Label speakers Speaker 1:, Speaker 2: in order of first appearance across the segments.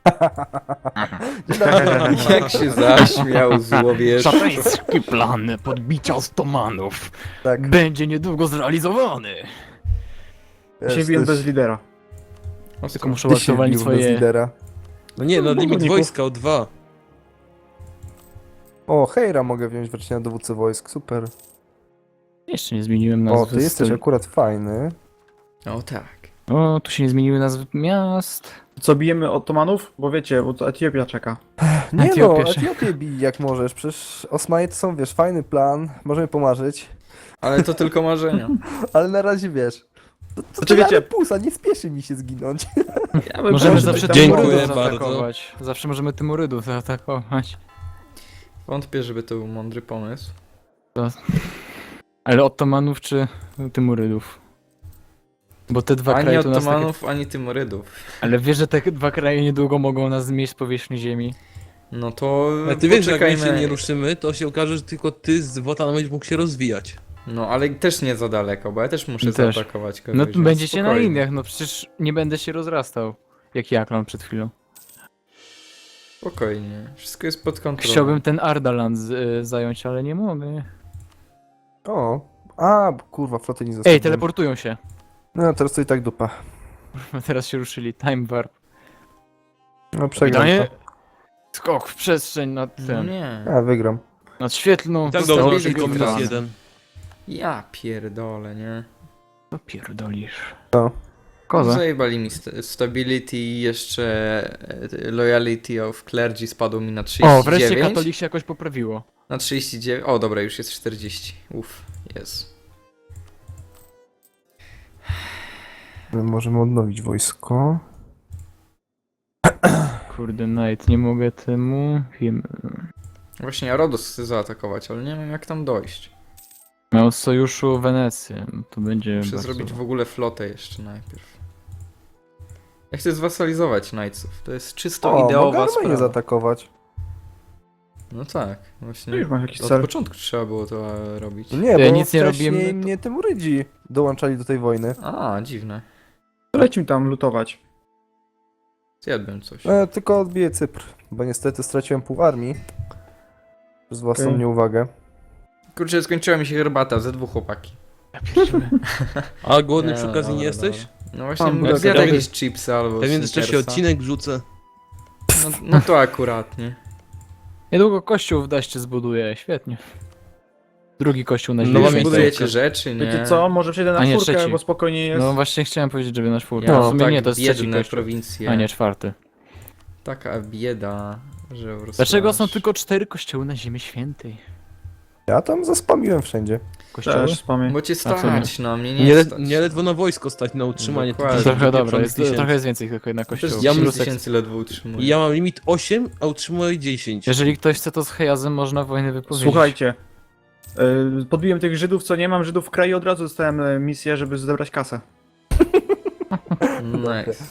Speaker 1: Jak się zaśmiał złowiesz.
Speaker 2: Szatański plan podbicia Ottomanów
Speaker 3: Tak,
Speaker 2: będzie niedługo zrealizowany.
Speaker 3: wiesz,
Speaker 4: Się biłem
Speaker 3: to
Speaker 4: bez lidera.
Speaker 2: Tylko muszę
Speaker 3: ty się
Speaker 2: aktualnie
Speaker 3: bił bez
Speaker 2: swoje...
Speaker 3: lidera.
Speaker 5: No nie, no limit
Speaker 4: Górników.
Speaker 5: wojska o 2.
Speaker 3: O, Hejra mogę wziąć wreszcie na dowódcę wojsk, super.
Speaker 2: Jeszcze nie zmieniłem nazwy.
Speaker 3: O, ty jesteś akurat fajny.
Speaker 1: O tak.
Speaker 2: O, tu się nie zmieniły nazwy miast.
Speaker 4: Co, bijemy Ottomanów? Bo wiecie, bo to Etiopia czeka.
Speaker 3: Nie
Speaker 2: Etiopię
Speaker 3: no,
Speaker 2: się-
Speaker 3: Etiopię bij jak możesz, przecież Osmanie to są, wiesz, fajny plan, możemy pomarzyć,
Speaker 1: Ale to tylko marzenia.
Speaker 3: ale na razie wiesz. To
Speaker 4: Znaczy,
Speaker 3: wiecie,
Speaker 4: wiecie-
Speaker 3: pusa, nie spieszy mi się zginąć.
Speaker 4: Ja bym
Speaker 2: Możemy
Speaker 4: poszedł
Speaker 2: zawsze
Speaker 4: tam-
Speaker 5: Dziękuję
Speaker 2: Tymurydów
Speaker 5: bardzo.
Speaker 2: zaatakować. Zawsze możemy Tymurydów zaatakować.
Speaker 1: Wątpię, żeby to był mądry pomysł.
Speaker 2: Ale Ottomanów czy Tymurydów? Bo te dwa
Speaker 1: Ani
Speaker 2: kraje to nas takie...
Speaker 1: Ottomanów, ani Tymurydów.
Speaker 2: Ale wiesz, że te dwa kraje niedługo mogą nas zmieść z powierzchni ziemi.
Speaker 1: No to
Speaker 5: A ty wiesz, że jak my
Speaker 1: poczekajmy.
Speaker 5: się nie ruszymy, to się okaże, że tylko ty z Wotan będziesz mógł się rozwijać.
Speaker 1: No ale też nie za daleko, bo ja też muszę
Speaker 2: Też.
Speaker 1: zaatakować kogoś.
Speaker 2: No
Speaker 1: więc
Speaker 2: będziecie na
Speaker 1: spokojnie.
Speaker 2: Indiach, no przecież nie będę się rozrastał. Jak Jaklan przed chwilą.
Speaker 1: Spokojnie. Wszystko jest pod kontrolą.
Speaker 2: Chciałbym ten Ardaland zająć, ale nie mogę.
Speaker 3: O, a, kurwa, floty nie zostawiłem.
Speaker 2: Ej, teleportują się.
Speaker 3: No, teraz to i tak dupa.
Speaker 2: Teraz się ruszyli. Time warp.
Speaker 3: No, przegram
Speaker 2: Kapitanie?
Speaker 3: to.
Speaker 2: Skok w przestrzeń nad
Speaker 1: No
Speaker 2: tym.
Speaker 1: nie.
Speaker 3: A, wygram.
Speaker 2: Nad świetlną.
Speaker 5: Tak
Speaker 1: Zostało
Speaker 5: dobrze,
Speaker 1: tylko
Speaker 5: tylko
Speaker 1: minus
Speaker 5: minus
Speaker 1: jeden.
Speaker 5: 1.
Speaker 1: Ja pierdolę, nie?
Speaker 2: Co pierdolisz?
Speaker 3: To.
Speaker 2: Koza.
Speaker 1: Zajebali mi stability i jeszcze loyalty of clergy spadło mi na 39.
Speaker 2: O, wreszcie katolik się jakoś poprawiło.
Speaker 1: Na 39. O, dobra, już jest 40. Uff, jest.
Speaker 3: My możemy odnowić wojsko.
Speaker 2: Kurde, Knight, nie mogę temu. Wiem.
Speaker 1: Właśnie ja Rodos chcę zaatakować, ale nie wiem jak tam dojść.
Speaker 2: Miał w sojuszu Wenecję. No to będzie.
Speaker 1: Muszę
Speaker 2: bardzo-
Speaker 1: zrobić w ogóle flotę jeszcze najpierw. Ja chcę zwasalizować Knightsów. To jest czysto
Speaker 3: O, mogę
Speaker 1: ideowa
Speaker 3: Armenię
Speaker 1: sprawa.
Speaker 3: zaatakować.
Speaker 1: No tak,
Speaker 4: No
Speaker 1: właśnie.
Speaker 4: już masz jakiś
Speaker 1: Od
Speaker 4: cel.
Speaker 1: początku trzeba było to robić.
Speaker 3: No nie,
Speaker 2: Ja
Speaker 3: bo
Speaker 2: nic nie
Speaker 3: wcześniej
Speaker 2: robiłem, to-
Speaker 3: mnie Tymurydzi dołączali do tej wojny.
Speaker 1: A, dziwne.
Speaker 4: Lecimy tam lutować.
Speaker 1: Zjadłem coś.
Speaker 3: Tylko odbiję Cypr, bo niestety straciłem pół armii. Przez własną
Speaker 4: Okej.
Speaker 3: nieuwagę.
Speaker 1: Kurczę, skończyła mi się herbata, ze dwóch chłopaki.
Speaker 2: Ja pierdzielę.
Speaker 5: A głodny przy
Speaker 1: Nie,
Speaker 5: okazji nie
Speaker 1: dobra,
Speaker 5: jesteś?
Speaker 1: dobra. No właśnie,
Speaker 4: Mam
Speaker 1: mógł
Speaker 4: bułkę.
Speaker 1: zjadł
Speaker 5: Ja w
Speaker 1: jakieś chipsy albo
Speaker 5: Ja w międzyczasie
Speaker 1: Snickersa.
Speaker 5: odcinek wrzucę.
Speaker 1: No to akurat, nie?
Speaker 2: Niedługo kościół w Daście zbuduję, świetnie. Drugi kościół na
Speaker 5: No,
Speaker 2: ziemi.
Speaker 5: mam
Speaker 2: świętej.
Speaker 1: Budujecie rzeczy, nie?
Speaker 4: Wiecie co, może przejdę
Speaker 2: A
Speaker 4: na
Speaker 2: nie,
Speaker 4: czwórkę,
Speaker 2: trzeci.
Speaker 4: bo spokojnie jest.
Speaker 2: No właśnie chciałem powiedzieć, żeby na czwórkę.
Speaker 1: Ja
Speaker 2: No, w
Speaker 1: mam
Speaker 2: sumie
Speaker 1: tak
Speaker 2: nie, to jest trzeci
Speaker 1: biedne
Speaker 2: kościół.
Speaker 1: prowincje.
Speaker 2: A nie, czwarty.
Speaker 1: Taka bieda, że po prostu
Speaker 2: Dlaczego
Speaker 1: aż-
Speaker 2: są tylko 4 kościoły na ziemi świętej?
Speaker 3: Ja tam zaspamiłem wszędzie.
Speaker 2: Kościoły?
Speaker 4: Też spamię.
Speaker 1: Bo cię
Speaker 2: sumie.
Speaker 1: stać, no mnie nie,
Speaker 5: Nie,
Speaker 1: stać.
Speaker 5: nie ledwo na wojsko stać na utrzymanie
Speaker 1: Dokładnie.
Speaker 5: tych
Speaker 2: Trochę dobra,
Speaker 5: pieprzonych
Speaker 2: jest,
Speaker 5: tysięcy.
Speaker 2: trochę jest więcej tylko jedna
Speaker 1: Też
Speaker 2: kościołów.
Speaker 5: Ja
Speaker 1: 10
Speaker 5: mam-
Speaker 1: tysięcy ledwo utrzymuję.
Speaker 5: I ja mam limit 8, a utrzymuję 10.
Speaker 2: Jeżeli ktoś chce, to z Hejazem można wojnę wypowiedzieć.
Speaker 4: Słuchajcie. Podbiłem tych Żydów, co nie mam Żydów w kraju, od razu dostałem misję, żeby zebrać kasę.
Speaker 1: Nice.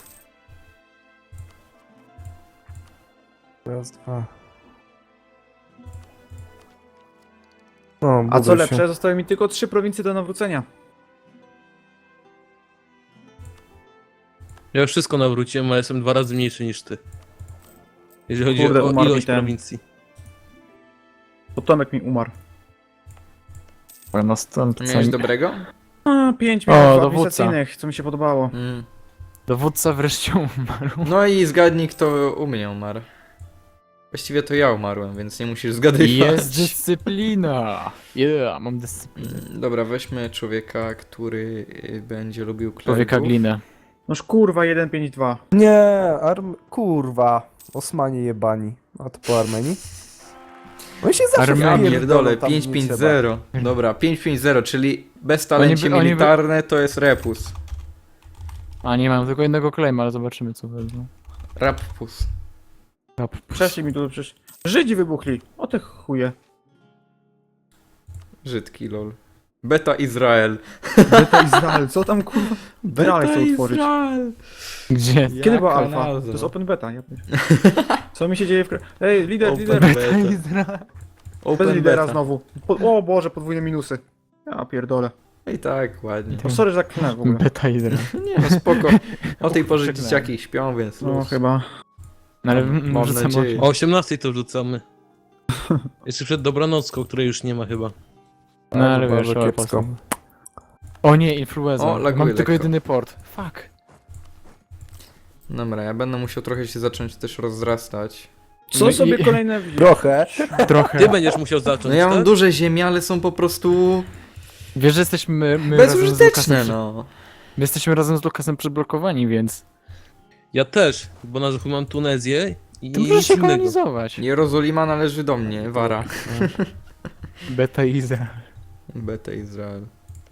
Speaker 3: Raz, dwa. O,
Speaker 4: A co
Speaker 3: budaj
Speaker 4: lepsze,
Speaker 3: się.
Speaker 4: zostały mi tylko 3 prowincje do nawrócenia.
Speaker 5: Ja już wszystko nawróciłem, ale jestem 2 razy mniejszy niż ty. Jeżeli chodzi
Speaker 4: Kurde,
Speaker 5: o
Speaker 4: umarł mi
Speaker 5: ilość
Speaker 4: ten.
Speaker 5: prowincji.
Speaker 4: Potomek mi umarł.
Speaker 2: Ale następca...
Speaker 1: Miałeś dobrego?
Speaker 4: A, 5
Speaker 2: O,
Speaker 4: minut
Speaker 2: dowódca.
Speaker 4: administracyjnych, co mi się podobało.
Speaker 1: Mm.
Speaker 2: Dowódca wreszcie umarł.
Speaker 1: No i zgadnij kto u mnie umarł. Właściwie to ja umarłem, więc nie musisz zgadywać.
Speaker 2: Jest dyscyplina! Yeah, mam dyscyplinę.
Speaker 1: Dobra, weźmy człowieka, który będzie lubił klerków.
Speaker 2: Człowieka glinę.
Speaker 4: Noż kurwa, 152.
Speaker 3: Nie, kurwa. Osmanie jebani. A to po Armenii? Oni się zawsze
Speaker 2: Armenia.
Speaker 1: Ja
Speaker 3: wpierdolą
Speaker 1: pierdolę,
Speaker 3: tam, gdzie nie
Speaker 1: 550. Dobra, 550, czyli bez talencie
Speaker 2: Oni by-
Speaker 1: militarne to jest repus.
Speaker 2: A nie mam tylko jednego claima, ale zobaczymy co wezmą.
Speaker 1: Rappus.
Speaker 4: Przeszli mi tu przecież. Żydzi wybuchli. O te chuje.
Speaker 1: Żydki lol. Beta Izrael.
Speaker 4: Beta Izrael, co tam kurwa? Dalej chcę utworzyć.
Speaker 1: Izrael.
Speaker 2: Gdzie?
Speaker 4: Kiedy była
Speaker 1: Jaka
Speaker 4: alfa?
Speaker 1: nazwa?
Speaker 4: To jest open beta. Ja co mi się dzieje w kraju? Ej, lider,
Speaker 1: Open
Speaker 4: lider.
Speaker 1: beta.
Speaker 2: Izrael.
Speaker 4: Bez
Speaker 1: Open
Speaker 4: lidera
Speaker 1: beta.
Speaker 4: znowu. O Boże, podwójne minusy. Ja pierdolę.
Speaker 1: I tak, ładnie.
Speaker 4: O, sorry, że tak klnę w ogóle.
Speaker 2: Beta Izrael.
Speaker 1: Nie no spoko. O tej porze
Speaker 2: Przeklęłem.
Speaker 1: dzieciaki śpią, więc
Speaker 4: No
Speaker 1: luz.
Speaker 4: chyba.
Speaker 2: No ale
Speaker 1: Mam
Speaker 2: rzucam
Speaker 1: nadzieję.
Speaker 5: O 18 to wrzucamy. Jeszcze przed dobranocką, której już nie ma chyba.
Speaker 2: No ale
Speaker 3: Bardzo
Speaker 2: wiesz, o,
Speaker 3: kiepsko.
Speaker 2: o nie, influenza.
Speaker 1: O, laguje
Speaker 2: Mam tylko
Speaker 1: lekko.
Speaker 2: jedyny port. Fuck.
Speaker 1: Dobra, ja będę musiał trochę się zacząć też rozrastać.
Speaker 4: Co
Speaker 2: No
Speaker 4: sobie
Speaker 2: i-
Speaker 4: kolejne...
Speaker 3: Trochę.
Speaker 2: Trochę.
Speaker 5: Ty będziesz musiał zacząć,
Speaker 1: No ja mam
Speaker 5: tak?
Speaker 1: duże ziemie, ale są po prostu
Speaker 2: Wiesz, że jesteśmy my razem z
Speaker 1: bezużyteczne,
Speaker 2: Lukasem,
Speaker 1: no.
Speaker 2: my jesteśmy razem z Lukasem przyblokowani, więc
Speaker 5: Ja też, bo na mam Tunezję i
Speaker 2: ty możesz
Speaker 5: nic
Speaker 2: się
Speaker 5: innego.
Speaker 2: kolonizować.
Speaker 1: Jerozolima należy do mnie, Wara.
Speaker 2: Beta Iza.
Speaker 1: Beta Izrael.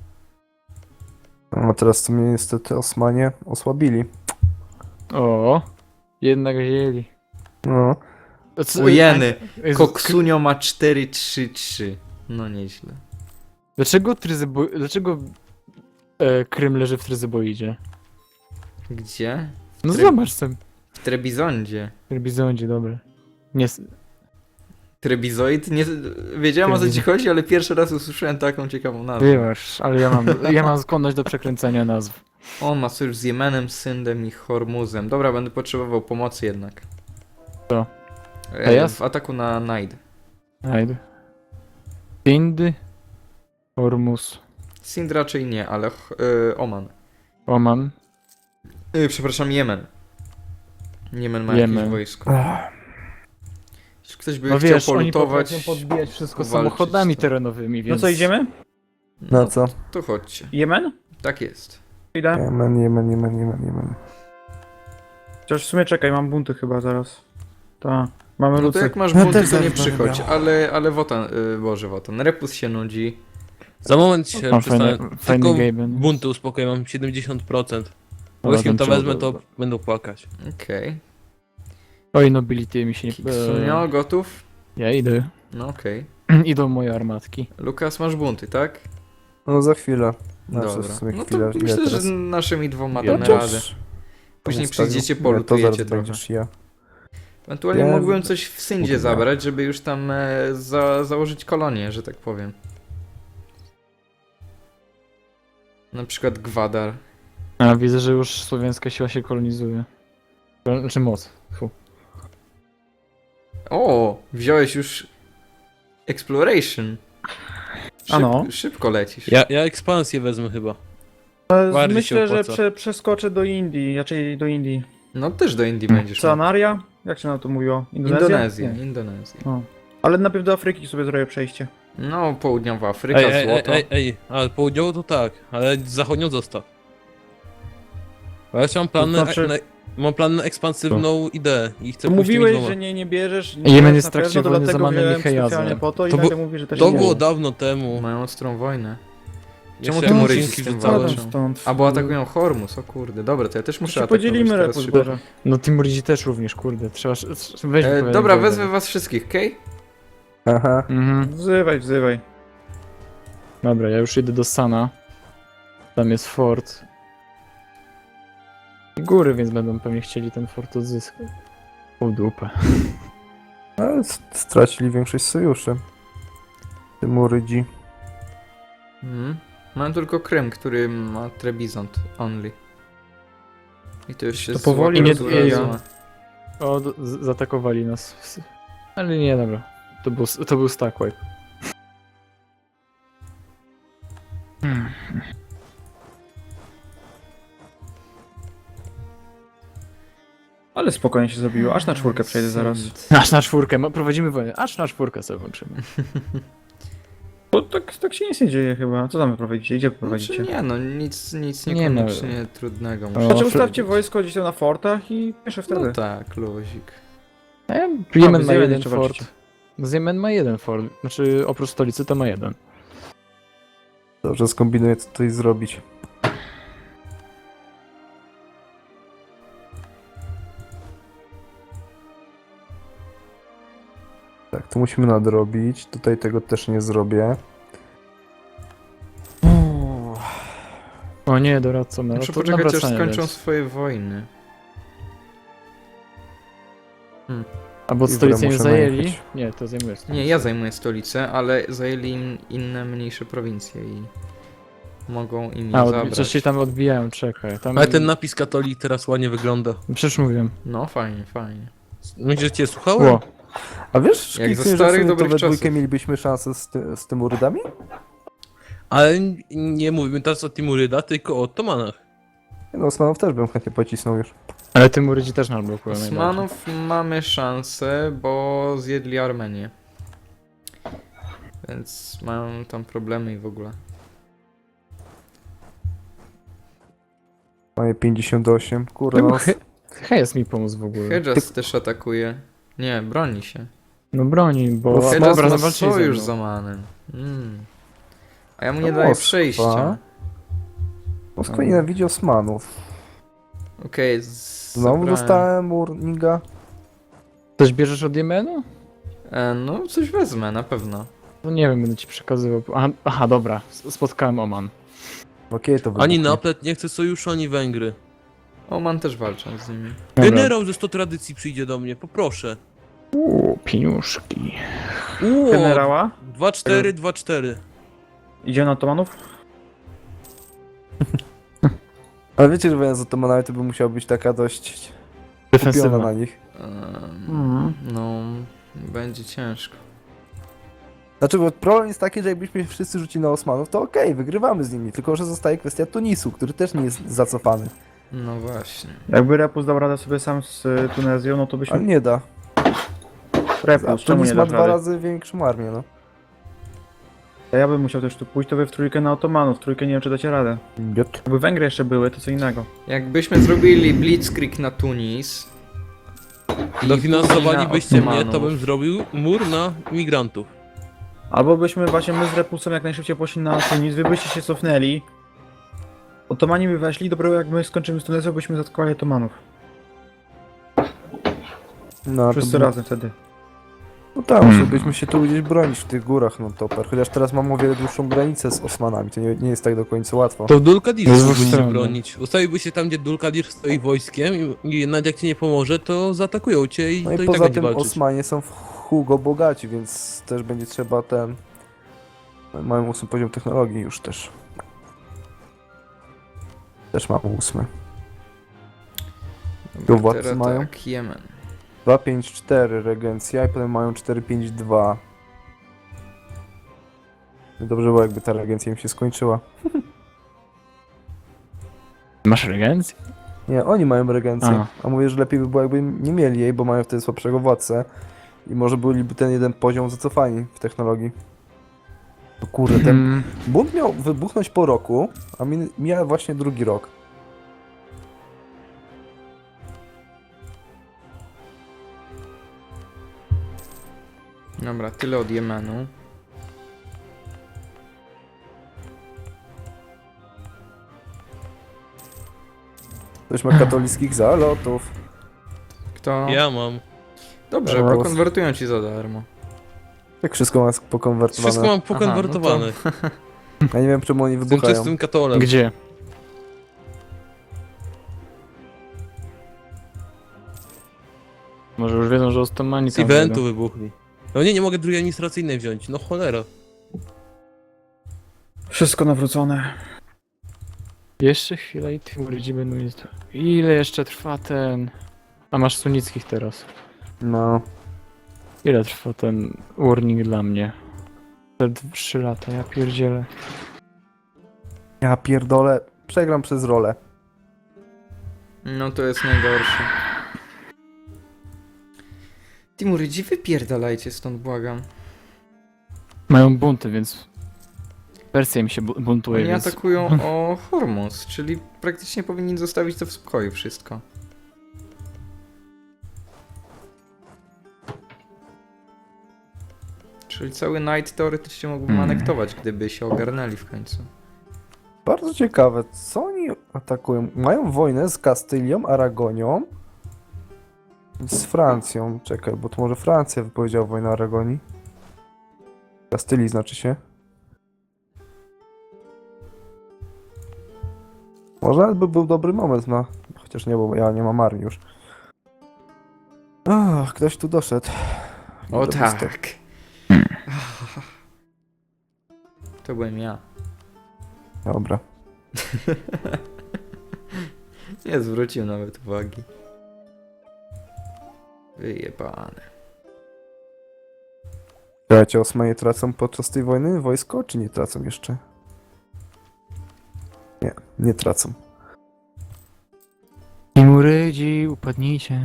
Speaker 3: No teraz to mnie niestety Osmanie osłabili.
Speaker 2: O, jednak wzięli.
Speaker 3: No.
Speaker 2: To co-
Speaker 1: Ujeny.
Speaker 2: Jezus,
Speaker 1: Koksunio ma 4-3-3. No nieźle.
Speaker 2: Dlaczego Krym leży w Tryzyboidzie?
Speaker 1: Gdzie?
Speaker 2: No
Speaker 1: Tryb-
Speaker 2: zobacz sobie.
Speaker 1: W Trebizondzie.
Speaker 2: W Trebizondzie, dobra. Nie,
Speaker 1: Trebizoid? Nie, wiedziałem o co ci chodzi, ale pierwszy raz usłyszałem taką ciekawą nazwę.
Speaker 2: wiesz, ale ja mam skłonność do przekręcania nazw.
Speaker 1: On ma sojusz z Jemenem, Syndem i Hormuzem. Dobra, będę potrzebował pomocy jednak.
Speaker 2: Co? Teraz?
Speaker 1: W ataku na Najd.
Speaker 2: Ajde. Indy. Hormuz.
Speaker 1: Sind raczej nie, ale Oman.
Speaker 2: Oman.
Speaker 1: Przepraszam, Jemen. Jemen ma
Speaker 2: Jemen.
Speaker 1: jakieś wojsko. Jeśli ktoś by
Speaker 2: No
Speaker 1: chciał
Speaker 2: wiesz, oni
Speaker 1: polutować,
Speaker 2: potrafią podbijać wszystko
Speaker 1: walczyć,
Speaker 2: samochodami
Speaker 1: to-
Speaker 2: terenowymi,
Speaker 4: No
Speaker 2: więc...
Speaker 4: co, idziemy?
Speaker 3: Na co?
Speaker 1: to chodźcie.
Speaker 4: Jemen?
Speaker 1: Tak jest.
Speaker 4: Idę.
Speaker 3: Jemen.
Speaker 4: Chociaż w sumie czekaj, mam bunty chyba zaraz. Tak. Mamy
Speaker 1: No to
Speaker 4: lucy.
Speaker 1: jak masz
Speaker 3: No
Speaker 1: bunty,
Speaker 3: też
Speaker 1: to nie
Speaker 3: zaraz będę
Speaker 1: przychodź,
Speaker 3: miał.
Speaker 1: ale Wotan, Wotan, Repus się nudzi.
Speaker 5: Za moment się
Speaker 2: Mam
Speaker 5: przestanę.
Speaker 2: fajny
Speaker 5: Tylko
Speaker 2: Gaben.
Speaker 5: bunty uspokoję, mam 70%. Bo
Speaker 2: Dobra,
Speaker 5: jeśli to
Speaker 2: ten
Speaker 5: wezmę,
Speaker 2: czołg,
Speaker 5: to
Speaker 2: dobra.
Speaker 5: będą płakać.
Speaker 1: Okej.
Speaker 2: Oj, nobility mi się nie...
Speaker 1: Kiksunio, gotów?
Speaker 2: Ja idę.
Speaker 1: No okej.
Speaker 2: Idą moje armatki.
Speaker 1: Lukas, masz bunty, tak?
Speaker 3: No za chwilę. Znaczy,
Speaker 1: Dobra.
Speaker 3: w sumie
Speaker 1: No
Speaker 3: chwilę.
Speaker 1: to
Speaker 3: Ile
Speaker 1: myślę,
Speaker 3: teraz?
Speaker 1: że naszymi dwoma
Speaker 2: Ja
Speaker 1: damy
Speaker 2: też.
Speaker 1: radę. Później
Speaker 3: Zostawił?
Speaker 1: przyjdziecie,
Speaker 3: Nie, to
Speaker 1: polutujecie
Speaker 3: zaraz
Speaker 1: trochę.
Speaker 3: będziesz ja.
Speaker 1: Ewentualnie
Speaker 3: Ja-
Speaker 1: mógłbym coś w Syndzie
Speaker 3: Kurwa.
Speaker 1: zabrać, żeby już tam założyć kolonię, że tak powiem. Na przykład Gwadar.
Speaker 2: A, widzę, że już słowiańska siła się kolonizuje. Znaczy moc. Fu.
Speaker 1: O, wziąłeś już Exploration.
Speaker 4: Ano.
Speaker 1: Szybko lecisz.
Speaker 5: Ja ekspansję wezmę chyba. Bardziej się
Speaker 4: Myślę, że
Speaker 5: opłaca.
Speaker 4: przeskoczę do Indii, raczej do Indii.
Speaker 1: No też do Indii będziesz. miał.
Speaker 4: Sanaria? Jak się na to mówiło?
Speaker 1: Indonezja.
Speaker 4: Nie.
Speaker 1: Indonezja.
Speaker 4: O. Ale najpierw do Afryki sobie zrobię przejście.
Speaker 1: No, południowa Afryka, złoto.
Speaker 5: Ale południowo to tak, ale zachodnią zostaw. Bo ja jeszcze mam plan,
Speaker 4: To znaczy-
Speaker 5: mam plan na ekspansywną ideę i chcę
Speaker 4: To
Speaker 5: pójść tymi
Speaker 4: mówiłeś,
Speaker 5: dwoma.
Speaker 4: że nie bierzesz.
Speaker 2: Jemen
Speaker 4: bierzesz
Speaker 2: jest
Speaker 4: na
Speaker 2: w trakcie
Speaker 4: pewno,
Speaker 2: wojny
Speaker 4: dlatego
Speaker 2: z Amanem
Speaker 4: wziąłem
Speaker 2: Michejazem.
Speaker 4: specjalnie po to i
Speaker 5: To
Speaker 4: nagle
Speaker 5: było-
Speaker 4: mówi, że też
Speaker 5: To
Speaker 4: nie
Speaker 5: było
Speaker 4: wiem.
Speaker 5: dawno temu.
Speaker 1: Mają ostrą wojnę.
Speaker 5: Jeszcze
Speaker 1: Czemu
Speaker 5: jak
Speaker 1: Tymuryci
Speaker 5: odcinki
Speaker 1: z tym
Speaker 5: wrzucałem.
Speaker 1: walczą?
Speaker 4: Stąd.
Speaker 1: A bo atakują Hormus, o kurde. Dobra, to ja też muszę
Speaker 4: Się
Speaker 1: atakować
Speaker 4: podzielimy
Speaker 1: teraz
Speaker 4: repus,
Speaker 1: szybko.
Speaker 4: Boże.
Speaker 2: No Timurydzi też również, kurde. Trzeba... Weź
Speaker 1: Dobra, wezmę was wszystkich, okej?
Speaker 3: Aha.
Speaker 2: Mhm.
Speaker 4: Wzywaj.
Speaker 2: Dobra, ja już idę do Sana. Tam jest fort. Góry, więc będą pewnie chcieli ten fort odzyskać. O dupę.
Speaker 3: Ale stracili większość sojuszy. Tymurydzi.
Speaker 1: Mam tylko Krym, który ma Trebizond only. I to już się
Speaker 4: To powoli
Speaker 1: zła
Speaker 2: rozwija.
Speaker 1: kultura zła.
Speaker 2: O, zaatakowali nas. Ale nie, dobra. To był stack wipe.
Speaker 4: Ale spokojnie się zrobiło, aż na czwórkę przejdę zaraz.
Speaker 2: Aż na czwórkę, prowadzimy wojnę. Aż na czwórkę sobie włączymy.
Speaker 4: Bo tak się nic nie dzieje chyba. Co tam wy prowadzicie? Gdzie prowadzicie?
Speaker 1: Znaczy nie no, nic
Speaker 2: Nie
Speaker 1: niekoniecznie trudnego.
Speaker 2: O,
Speaker 1: Muszę...
Speaker 4: Znaczy
Speaker 2: Fre-
Speaker 4: ustawcie wojsko gdzieś tam na fortach i jeszcze wtedy.
Speaker 1: No tak, luzik.
Speaker 2: Jemen
Speaker 4: z
Speaker 2: ma
Speaker 4: Jemen
Speaker 2: jeden
Speaker 4: jeszcze
Speaker 2: fort.
Speaker 4: walczycie.
Speaker 2: Z Jemen ma jeden fort. Znaczy oprócz stolicy to ma jeden.
Speaker 3: Dobrze, skombinuję co tutaj zrobić. Tak, to musimy nadrobić. Tutaj tego też nie zrobię.
Speaker 2: O nie, doradca ma.
Speaker 1: Muszę
Speaker 2: to
Speaker 1: poczekać aż
Speaker 2: nawracanie
Speaker 1: skończą
Speaker 2: lec.
Speaker 1: swoje wojny.
Speaker 2: Albo
Speaker 3: Dobra,
Speaker 2: stolicę nie
Speaker 3: muszę
Speaker 2: zajęli?
Speaker 3: najechać.
Speaker 2: Nie, to zajmuje stolicę.
Speaker 1: Nie, ja zajmuję stolicę, ale zajęli im inne mniejsze prowincje i mogą im je
Speaker 2: A,
Speaker 1: zabrać.
Speaker 2: coś się tam odbijają, czekaj. Tam...
Speaker 5: Ale ten napis katolik teraz ładnie wygląda.
Speaker 2: Przecież mówiłem.
Speaker 1: No fajnie, fajnie.
Speaker 5: Myślisz, że cię słuchałem?
Speaker 2: Ło.
Speaker 3: A wiesz,
Speaker 1: Jak za
Speaker 3: Szkicyn, że w
Speaker 1: starych,
Speaker 3: sumie to
Speaker 1: dobrych
Speaker 3: we dwójkę
Speaker 1: czasów.
Speaker 3: mielibyśmy szansę z tym urydami?
Speaker 5: Ale nie mówimy teraz o Timuryda, tylko o Ottomanach.
Speaker 3: No, Osmanów też bym chętnie pocisnął już.
Speaker 2: Ale Tymurydzi też nam blokują najbardziej.
Speaker 1: Osmanów mamy szansę, bo zjedli Armenię. Więc mają tam problemy i w ogóle.
Speaker 3: Mamy 58, kurde no.
Speaker 2: Hedges mi pomógł w ogóle.
Speaker 1: Hedges też atakuje. Nie, broni się.
Speaker 2: No broni, bo...
Speaker 3: No,
Speaker 1: Hedges
Speaker 2: Dobra,
Speaker 1: ma
Speaker 2: zawalczyli ze
Speaker 1: sojusz
Speaker 2: mną.
Speaker 1: z Omanem. A ja mu
Speaker 3: No
Speaker 1: nie daję
Speaker 3: Moskwa.
Speaker 1: przejścia.
Speaker 3: Moskwa nienawidzi Osmanów.
Speaker 1: Okej,
Speaker 3: Znowu
Speaker 1: zabrałem.
Speaker 3: dostałem Urninga.
Speaker 2: Coś bierzesz od Jemenu?
Speaker 1: No, coś wezmę, na pewno.
Speaker 2: No nie wiem, będę ci przekazywał. Aha, dobra, spotkałem Oman.
Speaker 3: Okej, to
Speaker 5: Ani
Speaker 3: wybuchnie.
Speaker 5: Naplet nie chce sojuszu, ani Węgry.
Speaker 1: Oman też walczą z nimi.
Speaker 2: Dobra.
Speaker 5: Generał ze 100 tradycji przyjdzie do mnie, poproszę.
Speaker 2: Pieniuszki.
Speaker 4: Generała?
Speaker 5: 2-4, 2-4.
Speaker 4: Idzie na Otomanów?
Speaker 3: Ale wiecie, że wojna z Otomanami to by musiała być taka dość kupiona
Speaker 2: Defensywna.
Speaker 3: na nich.
Speaker 1: No, będzie ciężko.
Speaker 3: Znaczy, bo problem jest taki, że jakbyśmy się wszyscy rzucili na Osmanów, to okej, wygrywamy z nimi, tylko że zostaje kwestia Tunisu, który też nie jest zacofany.
Speaker 1: No właśnie.
Speaker 4: Jakby Repus dał radę sobie sam z Tunezją, no to
Speaker 3: Ale
Speaker 4: byśmy...
Speaker 3: nie da.
Speaker 4: Repus, czemu
Speaker 3: Tunis
Speaker 4: nie
Speaker 3: ma
Speaker 4: dasz
Speaker 3: 2
Speaker 4: rady?
Speaker 3: razy większą armię, no.
Speaker 4: A ja bym musiał też tu pójść, to wy w trójkę na Otomanów, w trójkę nie wiem czy dacie radę. Jakby Węgry jeszcze były, to co innego.
Speaker 1: Jakbyśmy zrobili blitzkrieg na Tunis i
Speaker 5: Dofinansowalibyście
Speaker 1: później na
Speaker 5: mnie, to
Speaker 1: Ottomanów.
Speaker 5: bym zrobił mur na imigrantów.
Speaker 4: Albo byśmy właśnie my z Repusem jak najszybciej poszli na Tunis, wy byście się cofnęli. Otomani by weszli, dopiero jak my skończymy z Tunezją, byśmy zaatakowali Otomanów.
Speaker 3: No,
Speaker 4: Wszyscy
Speaker 3: by-
Speaker 4: razem wtedy.
Speaker 3: No tak, musielibyśmy się tu gdzieś bronić w tych górach, no toper. Chociaż teraz mam o wiele dłuższą granicę z Osmanami, to nie jest tak do końca łatwo.
Speaker 5: To w Dulkadir
Speaker 2: No z
Speaker 5: mógłbyś
Speaker 2: dwóch
Speaker 5: się
Speaker 2: stron, no.
Speaker 5: bronić. Ustawiłby się tam, gdzie Dulkadir stoi wojskiem i nawet jak ci nie pomoże, to zaatakują cię i
Speaker 3: No
Speaker 5: to
Speaker 3: i
Speaker 5: i tak
Speaker 3: poza
Speaker 5: będzie
Speaker 3: tym
Speaker 5: walczyć.
Speaker 3: Osmanie są w Hugo bogaci, więc też będzie trzeba ten... Mają 8 poziom technologii już też. Też mam 8.
Speaker 1: Dobra,
Speaker 3: Tu władcy
Speaker 1: teraz
Speaker 3: mają?
Speaker 1: tak, Jemen.
Speaker 3: 2-5-4 regencja i potem mają 4-5-2. Dobrze było, jakby ta regencja im się skończyła.
Speaker 2: Masz regencję?
Speaker 3: Nie, oni mają regencję.
Speaker 2: A.
Speaker 3: A mówię, że lepiej by było, jakby nie mieli jej, bo mają wtedy słabszego władcę. I może byliby ten jeden poziom zacofani w technologii. No kurde, ten bunt miał wybuchnąć po roku, a mija właśnie drugi rok.
Speaker 1: Dobra, tyle od Jemenu.
Speaker 3: Ktoś ma katolickich zalotów.
Speaker 1: Kto?
Speaker 5: Ja mam.
Speaker 1: Dobrze,
Speaker 3: Teraz.
Speaker 1: pokonwertują ci za darmo.
Speaker 3: Jak wszystko ma pokonwertowane.
Speaker 5: Wszystko mam
Speaker 1: Aha,
Speaker 5: pokonwertowane.
Speaker 3: Ja nie wiem, czemu oni
Speaker 5: Jestem
Speaker 3: wybuchają.
Speaker 5: czystym katolem.
Speaker 2: Gdzie? Może już wiedzą, że Ostomani
Speaker 5: Z
Speaker 2: tam
Speaker 5: eventu
Speaker 2: wejdą.
Speaker 5: wybuchli. No nie mogę drugiej administracyjnej wziąć. No cholera.
Speaker 4: Wszystko nawrócone.
Speaker 2: Jeszcze chwilę i Timurydzi będą jest. Ile jeszcze trwa ten... A masz sunnickich teraz.
Speaker 3: No.
Speaker 2: Ile trwa ten warning dla mnie? Te 3 lata, ja pierdzielę.
Speaker 3: Ja pierdolę. Przegram przez rolę.
Speaker 1: No to jest najgorsze. Timurydzi, wypierdalajcie stąd, błagam.
Speaker 2: Mają bunty, więc... Persja im się buntuje,
Speaker 1: Oni
Speaker 2: więc...
Speaker 1: atakują o Hormuz, czyli praktycznie powinni zostawić to w spokoju wszystko. Czyli cały Night teoretycznie mógłbym anektować, gdyby się ogarnęli w końcu.
Speaker 3: Bardzo ciekawe, co oni atakują? Mają wojnę z Kastylią, Aragonią i z Francją. Czekaj, bo to może Francja wypowiedziała wojnę Aragonii. Kastylii znaczy się. Może nawet by był dobry moment na... Chociaż nie, bo ja nie mam armii już. Ach, ktoś tu doszedł.
Speaker 1: O
Speaker 3: Dobry
Speaker 1: tak.
Speaker 3: start.
Speaker 1: To byłem ja.
Speaker 3: Dobra.
Speaker 1: Nie zwrócił nawet uwagi. Wyjebane.
Speaker 3: Słuchajcie, Osmanie tracą podczas tej wojny wojsko, czy nie tracą jeszcze? Nie, nie tracą.
Speaker 2: Timurydzi, upadnijcie.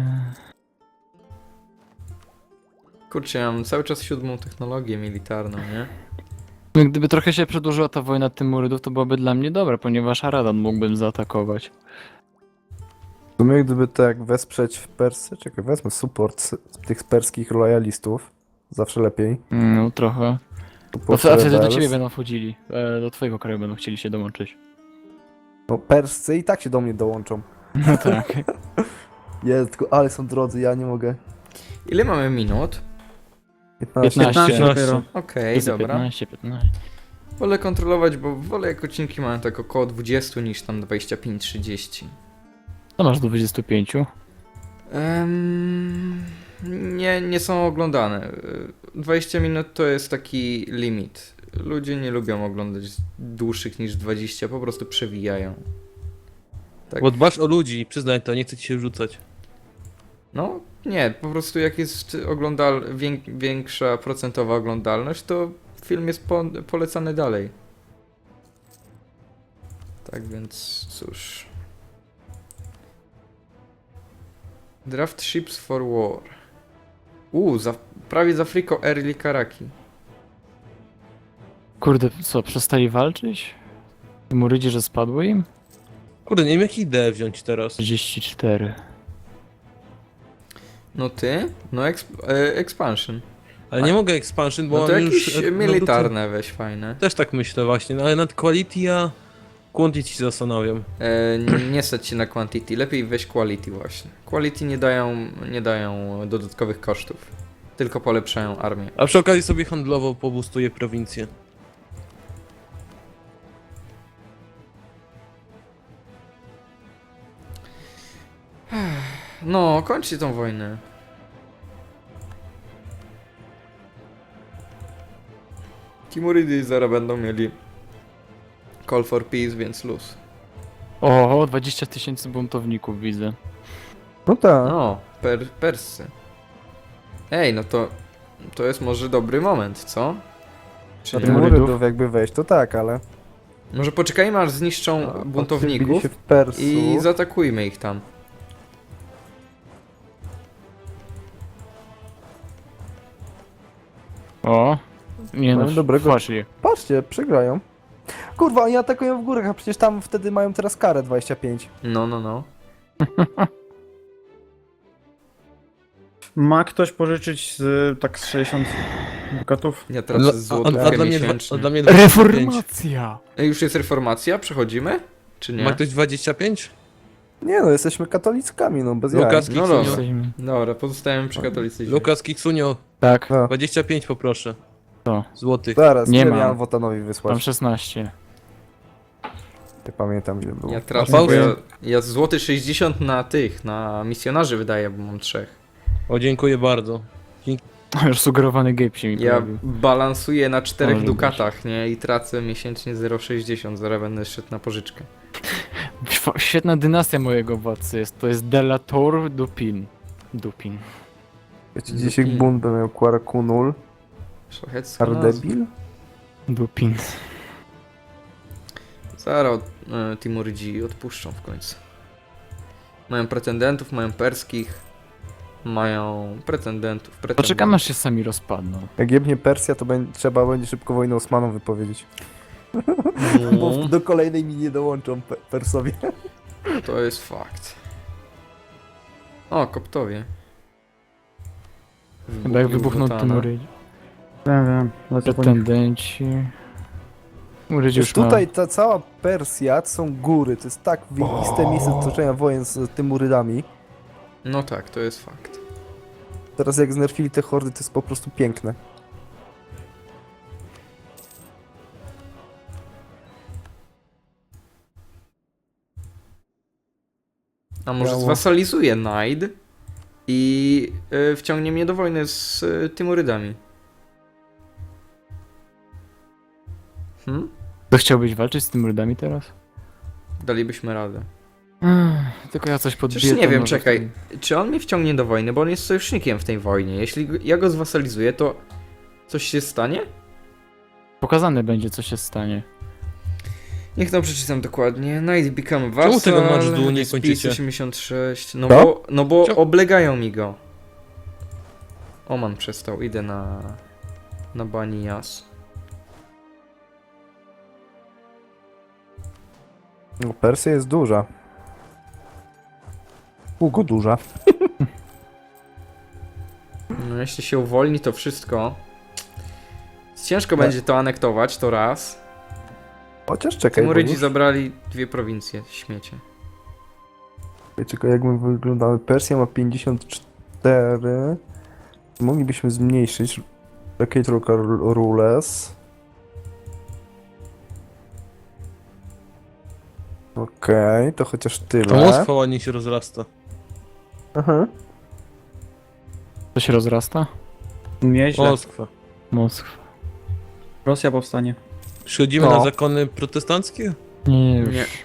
Speaker 1: Kurczę, ja mam cały czas 7. technologię militarną, nie?
Speaker 2: No, gdyby trochę się przedłużyła ta wojna Timurydów, to byłoby dla mnie dobre, ponieważ Aradan mógłbym zaatakować.
Speaker 3: W sumie gdyby tak wesprzeć w Persy, czekaj, wezmę support tych perskich lojalistów. Zawsze lepiej.
Speaker 2: No trochę. A
Speaker 3: Support
Speaker 2: wtedy do
Speaker 3: rebels.
Speaker 2: ciebie będą wchodzili. Do twojego kraju będą chcieli się dołączyć.
Speaker 3: No Perscy i tak się do mnie dołączą.
Speaker 2: No tak.
Speaker 3: Jest, tylko ale są drodzy, ja nie mogę.
Speaker 1: Ile mamy minut?
Speaker 3: 15.
Speaker 2: 15.
Speaker 4: dopiero.
Speaker 1: Okej, dobra.
Speaker 2: 15, 15.
Speaker 1: Wolę kontrolować, bo wolę jak odcinki mają tak około 20 niż tam 25-30.
Speaker 2: Co masz do 25?
Speaker 1: Nie są oglądane. 20 minut to jest taki limit. Ludzie nie lubią oglądać dłuższych niż 20, po prostu przewijają. Tak.
Speaker 5: Bo dbasz o ludzi, przyznaj to, nie chcę ci się rzucać.
Speaker 1: No, nie, po prostu jak jest większa procentowa oglądalność, to film jest polecany dalej. Tak więc, cóż. Draft Ships for War. Prawie z Afriko Early Karaki.
Speaker 2: Kurde, co, przestali walczyć? Timurydzi, że spadły im?
Speaker 5: Kurde, nie wiem jakie ideę wziąć teraz.
Speaker 2: 34.
Speaker 1: No ty? No expansion.
Speaker 5: Ale nie mogę expansion, bo
Speaker 1: No to
Speaker 5: mam
Speaker 1: jakieś
Speaker 5: już...
Speaker 1: militarne weź fajne.
Speaker 5: Też tak myślę właśnie, no ale nad quality a quantity się zastanawiam.
Speaker 1: Nie stać się na quantity, lepiej weź quality właśnie. Quality nie dają dodatkowych kosztów, tylko polepszają armię.
Speaker 5: A przy okazji sobie handlowo pobustuję prowincję.
Speaker 1: No, kończcie tą wojnę. Timurydy zaraz będą mieli call for peace, więc luz.
Speaker 2: O, 20 000 buntowników widzę.
Speaker 3: No tak.
Speaker 1: No, Persy. Ej, no to jest może dobry moment, co? Czy
Speaker 3: Na
Speaker 1: nie?
Speaker 2: Timurydów?
Speaker 3: Timurydów jakby wejść, to tak, ale...
Speaker 1: Może poczekajmy aż zniszczą
Speaker 3: Odbili
Speaker 1: buntowników
Speaker 3: się w Persów.
Speaker 1: i zaatakujmy ich tam.
Speaker 2: O, nie no,
Speaker 3: Mają dobrego-
Speaker 2: właśnie.
Speaker 3: Patrzcie, przegrają. Kurwa, oni atakują w górach, a przecież tam wtedy mają teraz karę 25.
Speaker 1: No.
Speaker 4: Ma ktoś pożyczyć z tak z 60 dukatów?
Speaker 1: Ja tracę złotówkę
Speaker 5: dla mnie,
Speaker 1: miesięcznie.
Speaker 5: a dla mnie 25.
Speaker 2: Reformacja!
Speaker 1: Ej, już jest reformacja? Przechodzimy? Czy nie?
Speaker 5: Ma ktoś 25?
Speaker 3: Nie no, jesteśmy katolickami, no bez
Speaker 5: Lukas
Speaker 3: jaj.
Speaker 1: No
Speaker 5: Kiksunio.
Speaker 1: dobra.
Speaker 2: Jesteśmy-
Speaker 1: Dobra, pozostajemy przy katolicyzmie.
Speaker 5: Lukas Kiksunio,
Speaker 2: Tak,
Speaker 3: No,
Speaker 5: 25 poproszę.
Speaker 2: to.
Speaker 5: Złotych.
Speaker 3: zaraz,
Speaker 2: Nie
Speaker 3: nie
Speaker 2: ma.
Speaker 3: miałem Wotanowi
Speaker 2: Mam
Speaker 3: wysłać.
Speaker 2: 16.
Speaker 3: Nie pamiętam ile było.
Speaker 1: Ja tracę,
Speaker 5: Pauzę.
Speaker 1: bo ja złoty 60 na misjonarzy wydaję, bo mam 3.
Speaker 5: O, dziękuję bardzo.
Speaker 2: Już sugerowany gape się mi
Speaker 1: Ja
Speaker 2: pojawił.
Speaker 1: balansuję na 4
Speaker 2: Może
Speaker 1: dukatach, nie? I tracę miesięcznie 0,60, zaraz będę szedł na pożyczkę.
Speaker 2: Świetna dynastia mojego władcy jest. To jest Delator Dupin. Dupin.
Speaker 3: Wiecie, dzisiaj bunt by miał Kwarakunul,
Speaker 1: Szlachecka nazwa.
Speaker 3: Ardebil?
Speaker 2: Dupin.
Speaker 1: Zaraz Timurydzi odpuszczą w końcu. Mają pretendentów, mają perskich. Mają pretendentów.
Speaker 2: Poczekamy aż się sami rozpadną.
Speaker 3: Jak jebnie Persja, to trzeba będzie szybko wojnę Osmanom wypowiedzieć. Bo
Speaker 1: No,
Speaker 3: do kolejnej mi nie dołączą Persowie.
Speaker 1: to jest fakt. O, Koptowie.
Speaker 2: Chyba jak wybuchnął
Speaker 1: Wotana.
Speaker 2: Timurydzi.
Speaker 4: Wiem, lecę po nich.
Speaker 2: Pretendenci. Timurydzi
Speaker 3: Już
Speaker 2: już ma...
Speaker 3: tutaj ta cała Persja to są góry, to jest tak wyjebiste miejsce do toczenia wojen z Timurydami.
Speaker 1: No tak, to jest fakt.
Speaker 3: Teraz jak znerfili te hordy, to jest po prostu piękne.
Speaker 1: A może
Speaker 3: Miało.
Speaker 1: zwasalizuje Najd i wciągnie mnie do wojny z Timurydami.
Speaker 2: To chciałbyś walczyć z Timurydami teraz?
Speaker 1: Dalibyśmy radę.
Speaker 2: Tylko ja coś podbiję.
Speaker 1: Przecież nie
Speaker 2: to
Speaker 1: wiem,
Speaker 2: może
Speaker 1: czekaj.
Speaker 2: wtedy-
Speaker 1: Czy on mnie wciągnie do wojny, bo on jest sojusznikiem w tej wojnie. Jeśli ja go zwasalizuję, to coś się stanie?
Speaker 2: Pokazane będzie, co się stanie.
Speaker 1: Niech to przeczytam dokładnie. Knight become vassal.
Speaker 5: Czemu tego March Duel nie
Speaker 1: Speed
Speaker 5: kończycie?
Speaker 1: 86.
Speaker 3: Co?
Speaker 1: No bo
Speaker 5: Czemu?
Speaker 1: oblegają mi go. Oman przestał. Idę na Banias.
Speaker 3: No, Persja jest duża. Długo duża.
Speaker 1: No jeśli się uwolni to wszystko. Ciężko
Speaker 3: Tak.
Speaker 1: będzie to anektować, to raz.
Speaker 3: Chociaż czekaj, bo
Speaker 1: Timurydzi
Speaker 3: już...
Speaker 1: zabrali 2 prowincje, śmiecie.
Speaker 3: Czekaj, jak my wyglądamy. Persja ma 54. Moglibyśmy zmniejszyć. Decade Rules. Okej, to chociaż
Speaker 5: A
Speaker 3: tyle.
Speaker 5: Moskwa ładnie się rozrasta.
Speaker 3: Aha.
Speaker 2: To się rozrasta?
Speaker 4: Nieźle.
Speaker 5: Moskwa.
Speaker 2: Moskwa.
Speaker 4: Rosja powstanie.
Speaker 5: Przychodzimy
Speaker 3: No.
Speaker 5: na zakony protestanckie?
Speaker 2: Nie, już.
Speaker 1: Nie.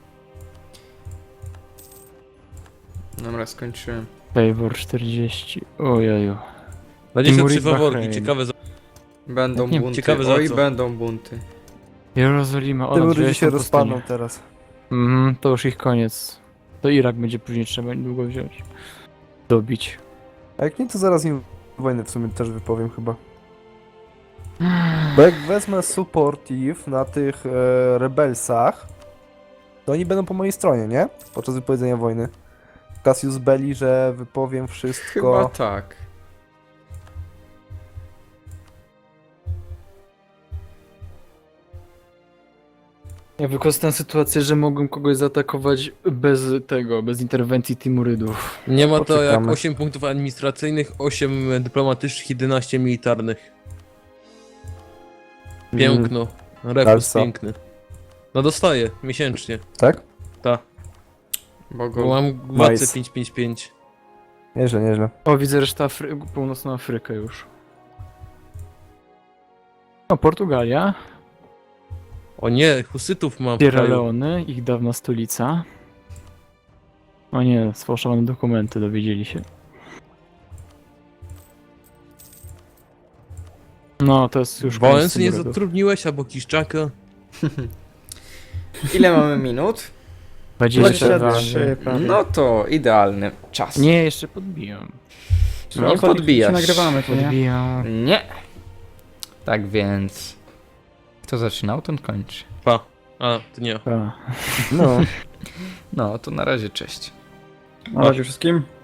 Speaker 1: Dobra, skończyłem.
Speaker 2: Favor 40. Ojeju.
Speaker 5: 23
Speaker 2: Timurid
Speaker 5: faworki,
Speaker 2: Bahrain.
Speaker 5: ciekawe za...
Speaker 1: Będą
Speaker 2: Nie,
Speaker 1: bunty.
Speaker 5: ciekawe za
Speaker 1: Oj,
Speaker 5: co.
Speaker 1: będą bunty.
Speaker 2: Jerozolima, o,
Speaker 3: Tym
Speaker 2: na
Speaker 3: ludzie
Speaker 2: 20
Speaker 3: się
Speaker 2: pustynię.
Speaker 3: rozpadną teraz.
Speaker 2: To już ich koniec. To Irak będzie później trzeba niedługo wziąć. Dobić.
Speaker 3: A jak nie, to zaraz im wojnę w sumie też wypowiem chyba. Bo jak wezmę supportive na tych rebelsach, to oni będą po mojej stronie, nie? Podczas wypowiedzenia wojny. Cassius Belli, że wypowiem wszystko.
Speaker 1: Chyba tak.
Speaker 2: Ja wykorzystam sytuację, że mogłem kogoś zaatakować bez tego, bez interwencji Timurydów.
Speaker 5: Nie ma to jak
Speaker 3: Poczekamy.
Speaker 5: 8 punktów administracyjnych, 8 dyplomatycznych, 11 militarnych. Piękno. Refus
Speaker 3: Dalsa.
Speaker 5: piękny. No dostaję, miesięcznie.
Speaker 3: Tak?
Speaker 1: Bo
Speaker 5: Bo
Speaker 1: go...
Speaker 5: mam władcę
Speaker 3: Nice.
Speaker 5: 555.
Speaker 3: Nieźle, nieźle.
Speaker 2: O, widzę resztę północną Afrykę już. O, Portugalia,
Speaker 5: O nie, husytów mam w
Speaker 2: Sierra
Speaker 5: kraju.
Speaker 2: Leone, ich dawna stolica. O nie, sfałszowane dokumenty, dowiedzieli się. No, to jest już koniec
Speaker 5: Wałęsy nie
Speaker 2: Timurydów.
Speaker 5: zatrudniłeś, albo Kiszczaka?
Speaker 1: Ile mamy minut?
Speaker 4: 23 prawie.
Speaker 1: No to idealny czas.
Speaker 2: Nie, jeszcze podbijam.
Speaker 1: Nie podbijasz.
Speaker 4: Nagrywamy to, nie?
Speaker 2: Podbijam.
Speaker 1: Nie. Tak więc... Kto zaczynał, ten kończy.
Speaker 5: Pa. A, to nie.
Speaker 2: Ta.
Speaker 3: No.
Speaker 1: No, to na razie cześć.
Speaker 4: Na razie wszystkim.